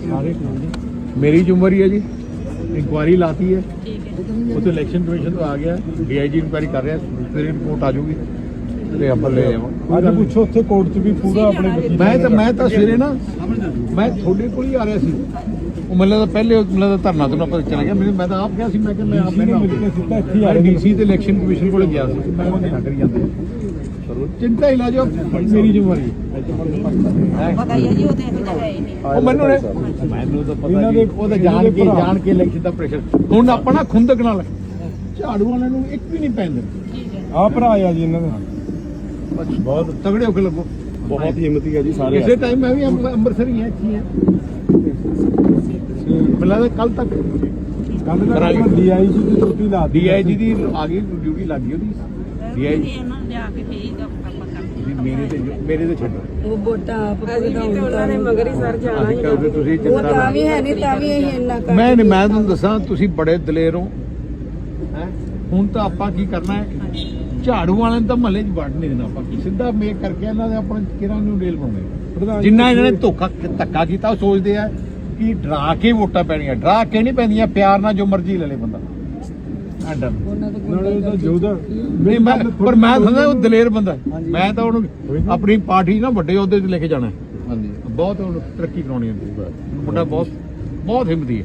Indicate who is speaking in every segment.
Speaker 1: मेरी ਜ਼ਿੰਮੇਵਾਰੀ ਹੈ ਜੀ इंक्वायरी लाती है वो तो इलेक्शन कमीशन तो आ गया DIG इंक्वायरी कर रहा है फिर रिपोर्ट आ जाऊगी ਤੇ ਆਪਾਂ ਲੈ ਆਵਾਂ
Speaker 2: ਅੱਜ ਪੁੱਛੋ ਉੱਥੇ ਕੋਰਟ 'ਚ ਵੀ ਪੂਰਾ ਆਪਣੇ
Speaker 1: ਮੈਂ ਤਾਂ ਸਵੇਰੇ ਨਾ ਮੈਂ ਤੁਹਾਡੇ ਕੋਲ ਹੀ ਆ ਰਿਹਾ ਸੀ ਉਹ ਮੈਨੂੰ ਤਾਂ ਪਹਿਲੇ ਮੈਨੂੰ ਤਾਂ ਧਰਨਾ ਤੋਂ ਆਪਾਂ ਚਲਾ ਗਿਆ ਮੈਂ ਤਾਂ ਆਪ ਗਿਆ ਸੀ ਮੈਂ ਕਿ ਮੈਂ ਆਪ ਮਿਲ ਕੇ ਸਿੱਧਾ ਇੱਥੇ ਆ DC ਤੇ ਇਲੈਕਸ਼ਨ ਕਮਿਸ਼ਨ ਕੋਲ ਗਿਆ ਸੀ ਮੈਂ ਉਹ ਨਾ ਕਰੀ ਜਾਂਦੇ ਚਿੰਤਾ ਹੀ ਲਾ ਜਾਓ ਮੇਰੀ ਜ਼ਿੰਮੇਵਾਰੀ
Speaker 3: ਪਤਾ ਹੀ ਹੈ ਜੀ ਉਹ ਤੇ ਇਹੋ ਜਿਹਾ ਹੈ ਹੀ ਨਹੀਂ
Speaker 1: ਉਹ ਮੈਨੂੰ ਤਾਂ ਪਤਾ ਨਹੀਂ ਉਹ ਤਾਂ ਜਾਣ ਕੇ ਇਲੈਕਸ਼ਨ ਦਾ ਪ੍ਰੈਸ਼ਰ ਹੁਣ ਆਪਾਂ ਨਾ ਖੁੰਦਕ ਨਾਲ ਝਾੜੂ ਵਾਲਿਆਂ ਨੂੰ ਇੱਕ ਵੀ ਨਹੀਂ ਪੈਂਦੇ
Speaker 2: ਆ ਭਰਾ ਆ ਜੀ ਇਹਨਾਂ ਦਾ
Speaker 1: ਬਹੁਤ ਤਗੜੇ ਹੋ ਕੇ ਲੱਗੋ
Speaker 2: ਬਹੁਤ ਹਿੰਮਤੀ ਹੈ ਜੀ ਸਾਰੇ
Speaker 1: ਇਸੇ ਟਾਈਮ ਮੈਂ ਵੀ ਅੰਮ੍ਰਿਤਸਰ ਹੀ ਹਾਂ ਇੱਥੇ ਹਾਂ ਮਿਲਾ ਕੱਲ ਤੱਕ
Speaker 2: DIG ਦੀ ਡਿਊਟੀ ਲਾ
Speaker 1: DIG ਦੀ ਆ ਗਈ ਡਿਊਟੀ ਲੱਗ ਗਈ ਉਹਦੀ DIG
Speaker 3: ਇਹਨਾਂ ਲਿਆ ਕੇ ਭੇਜ ਆਪਾਂ
Speaker 1: ਮੇਰੇ ਤੇ ਛੱਡੋ
Speaker 4: ਉਹ ਵੋਟਾਂ ਆਪ ਭਗਤਾਉਣ ਉਹਨਾਂ ਨੇ ਮਗਰ ਹੀ ਸਰ ਜਾਣਾ ਹੀ
Speaker 1: ਕਰਦੇ ਤੁਸੀਂ
Speaker 4: ਉਹ
Speaker 1: ਚਿੰਤਾ
Speaker 4: ਤਾਂ ਵੀ ਹੈ ਨਹੀਂ ਤਾਂ ਵੀ ਅਸੀਂ ਇੰਨਾ ਕਰ
Speaker 1: ਮੈਂ ਤੁਹਾਨੂੰ ਦੱਸਾਂ ਤੁਸੀਂ ਬੜੇ ਦਲੇਰ ਹੋ ਹੈ ਹੁਣ ਤਾਂ ਆਪਾਂ ਕੀ ਕਰਨਾ ਹੈ ਝਾੜੂ ਵਾਲਿਆਂ ਨੂੰ ਤਾਂ ਮਹੱਲੇ 'ਚ ਵੜ ਨਹੀਂ ਦੇਣਾ ਆਪਾਂ ਸਿੱਧਾ ਮੇਕ ਕਰਕੇ ਇਹਨਾਂ ਦੇ ਆਪਣੇ ਕਿਰਾਂ ਨੂੰ ਡੇਲ ਪਾਉਣੇ ਜਿੰਨਾ ਇਹਨਾਂ ਨੇ ਧੱਕਾ ਕੀਤਾ ਉਹ ਸੋਚਦੇ ਆ ਕਿ ਡਰਾ ਕੇ ਵੋਟਾਂ ਪੈਣੀਆਂ ਡਰਾ ਕੇ ਨਹੀਂ ਪੈਂਦੀਆਂ ਪਿਆਰ ਨਾਲ ਜੋ ਮਰਜ਼ੀ ਲੈ ਲੇ ਬੰਦਾ ਆਂਡਾ
Speaker 2: ਨਾਲੇ ਤਾਂ ਜੋਦਾ
Speaker 1: ਨਹੀਂ ਮੈਂ ਪਰ ਮੈਂ ਸਮਝਦਾ ਉਹ ਦਲੇਰ ਬੰਦਾ ਮੈਂ ਤਾਂ ਉਹਨੂੰ ਆਪਣੀ ਪਾਰਟੀ ਨਾ ਵੱਡੇ ਅਹੁਦੇ ਤੇ ਲੈ ਕੇ ਜਾਣਾ ਹਾਂਜੀ ਬਹੁਤ ਉਹਨੂੰ ਤਰੱਕੀ ਕਰਾਉਣੀ ਹੁੰਦੀ ਮੁੰਡਾ ਬਹੁਤ ਹਿੰਮਤੀ ਹੈ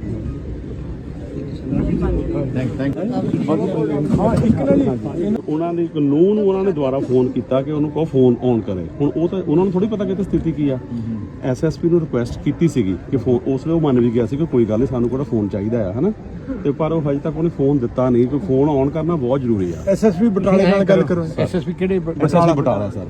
Speaker 1: ਥੈਂਕ
Speaker 2: ਹਾਂ ਇੱਕ ਨਾ ਜੀ
Speaker 5: ਉਹਨਾਂ ਦੇ ਕਾਨੂੰਨ ਨੂੰ ਉਹਨਾਂ ਨੇ ਦੁਬਾਰਾ ਫੋਨ ਕੀਤਾ ਕਿ ਉਹਨੂੰ ਕਹੋ ਫੋਨ ਔਨ ਕਰੇ ਹੁਣ ਉਹ ਤਾਂ ਉਹਨਾਂ ਨੂੰ ਥੋੜੀ ਪਤਾ ਕਿ ਸਥਿਤੀ ਕੀ ਆ SSP ਨੂੰ ਰਿਕੁਐਸਟ ਕੀਤੀ ਸੀਗੀ ਕਿ ਫੋਨ ਉਸ ਵੇਲੇ ਉਹ ਮੰਨ ਵੀ ਗਿਆ ਸੀ ਕਿ ਕੋਈ ਗੱਲ ਨਹੀਂ ਸਾਨੂੰ ਕਿਹੜਾ ਫੋਨ ਚਾਹੀਦਾ ਆ ਹਨਾ ਤੇ ਪਰ ਉਹ ਹਜੇ ਤੱਕ ਉਹਨੇ ਫੋਨ ਦਿੱਤਾ ਨਹੀਂ ਕਿ ਫੋਨ ਔਨ ਕਰਨਾ ਬਹੁਤ ਜ਼ਰੂਰੀ ਆ
Speaker 2: SSP ਬਟਾਲੇ ਨਾਲ ਗੱਲ ਕਰੋ
Speaker 1: SSP ਕਿਹੜੇ
Speaker 5: ਬਟਾਲਾ ਸਰ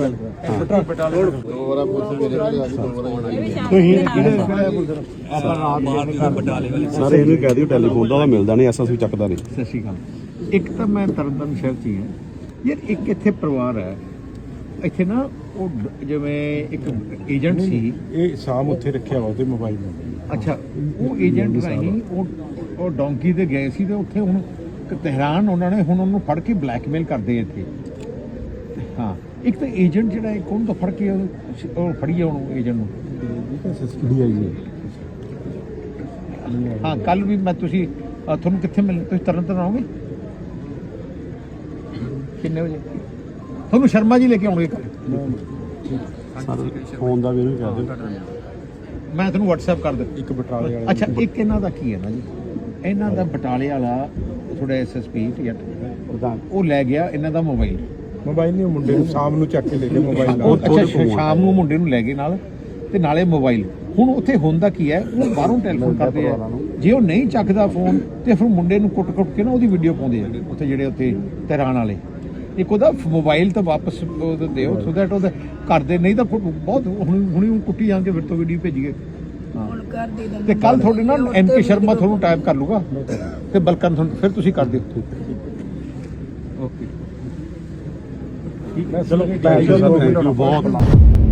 Speaker 5: ਸਰ ਇਹਨੂੰ ਕਹਿ ਦਿਓ ਟੈਲੀਫੋਨ ਦਾ ਮਿਲਦਾ ਨਹੀਂ SSP ਚੱਕਦਾ ਨਹੀਂ
Speaker 1: ਸਤਿ ਸ਼੍ਰੀ ਅਕਾਲ ਇੱਕ ਤਾਂ ਮੈਂ ਤਰਨਤਾਰਨ ਸ਼ਹਿਰ 'ਚ ਹੀ ਹਾਂ ਯਾਰ ਇੱਕ ਇੱਥੇ ਪਰਿਵਾਰ ਹੈ ਇੱਥੇ ਨਾ ਉਹ ਜਿਵੇਂ ਇੱਕ ਏਜੰਟ ਸੀ
Speaker 2: ਇਹ ਸ਼ਾਮ ਉੱਥੇ ਰੱਖਿਆ ਵਾ ਉਹਦੇ ਮੋਬਾਈਲ ਨੰਬਰ
Speaker 1: ਅੱਛਾ ਉਹ ਏਜੰਟ ਰਾਹੀਂ ਉਹ ਡੋਂਕੀ ਤੇ ਗਏ ਸੀ ਤੇ ਉੱਥੇ ਹੁਣ ਤਹਿਰਾਨ ਉਹਨਾਂ ਨੇ ਹੁਣ ਉਹਨੂੰ ਫੜ ਕੇ ਬਲੈਕਮੇਲ ਕਰਦੇ ਇੱਥੇ ਹਾਂ ਇੱਕ ਤਾਂ ਏਜੰਟ ਜਿਹੜਾ ਹੈ ਕੌਣ ਤੋਂ ਫੜ ਕੇ ਉਹ ਫੜੀਏ ਉਹਨੂੰ ਏਜੰਟ ਨੂੰ ਹਾਂ ਕੱਲ ਵੀ ਮੈਂ ਤੁਸੀਂ ਤੁਹਾਨੂੰ ਕਿੱਥੇ ਮਿਲਣਾ ਤੁਸੀਂ ਤਰਨਤਾਰਨ ਆਓਗੇ ਕਿੰਨੇ ਵਜੇ ਤੁਹਾਨੂੰ ਸ਼ਰਮਾ ਜੀ ਲੈ ਕੇ ਆਉਣਗੇ
Speaker 5: ਫੋਨ ਦਾ ਵੀ ਇਹਨੂੰ ਕਹਿ ਦਿਓ
Speaker 1: ਮੈਂ ਤੁਹਾਨੂੰ WhatsApp ਕਰ ਦਿੰਦਾ
Speaker 2: ਇੱਕ ਬਟਾਲੇ ਵਾਲਾ
Speaker 1: ਅੱਛਾ ਇੱਕ ਇਹਨਾਂ ਦਾ ਕੀ ਹੈ ਨਾ ਜੀ ਇਹਨਾਂ ਦਾ ਬਟਾਲੇ ਵਾਲਾ ਥੋੜਾ SSP ਪ੍ਰਧਾਨ ਉਹ ਲੈ ਗਿਆ ਇਹਨਾਂ ਦਾ ਮੋਬਾਈਲ
Speaker 2: ਨਹੀਂ ਮੁੰਡੇ ਨੂੰ ਸ਼ਾਮ ਨੂੰ ਚੱਕ ਕੇ ਲੈ ਕੇ ਮੋਬਾਈਲ
Speaker 1: ਅੱਛਾ ਸ਼ਾਮ ਨੂੰ ਮੁੰਡੇ ਨੂੰ ਲੈ ਗਏ ਨਾਲ ਤੇ ਨਾਲੇ ਮੋਬਾਈਲ ਹੁਣ ਉੱਥੇ ਹੁੰਦਾ ਕੀ ਹੈ ਉਹ ਬਾਹਰੋਂ ਟੈਲੀਫੋਨ ਕਰਦੇ ਆ ਜੇ ਉਹ ਨਹੀਂ ਚੱਕਦਾ ਫੋਨ ਤੇ ਫਿਰ ਮੁੰਡੇ ਨੂੰ ਕੁੱਟ ਕੇ ਨਾ ਉਹਦੀ ਵੀਡੀਓ ਪਾਉਂਦੇ ਆ ਉੱਥੇ ਜਿਹੜੇ ਉੱਥੇ ਤਹਿਰਾਨ ਵਾਲੇ ਇੱਕ ਉਹਦਾ ਮੋਬਾਈਲ ਤਾਂ ਵਾਪਸ ਦਿਓ ਸੋ ਦੈਟ ਉਹਦਾ ਕਰਦੇ ਨਹੀਂ ਤਾਂ ਬਹੁਤ ਹੁਣੀ ਕੁੱਟੀ ਜਾਂਗੇ ਫਿਰ ਤੋਂ ਵੀਡੀਓ ਭੇਜੀਏ
Speaker 4: ਹੁਣ ਕਰ ਦੇ ਦਿੰਦੇ
Speaker 1: ਤੇ ਕੱਲ ਤੁਹਾਡੇ ਨਾਲ MP ਸ਼ਰਮਾ ਤੁਹਾਨੂੰ ਟਾਈਪ ਕਰ ਲੂਗਾ ਤੇ ਬਲਕਨ ਤੁਹਾਨੂੰ ਫਿਰ ਤੁਸੀਂ ਕਰ ਦਿਓ ਓਕੇ ਠੀਕ ਹੈ ਚਲੋ
Speaker 5: ਥੈਂਕ ਯੂ ਬਹੁਤ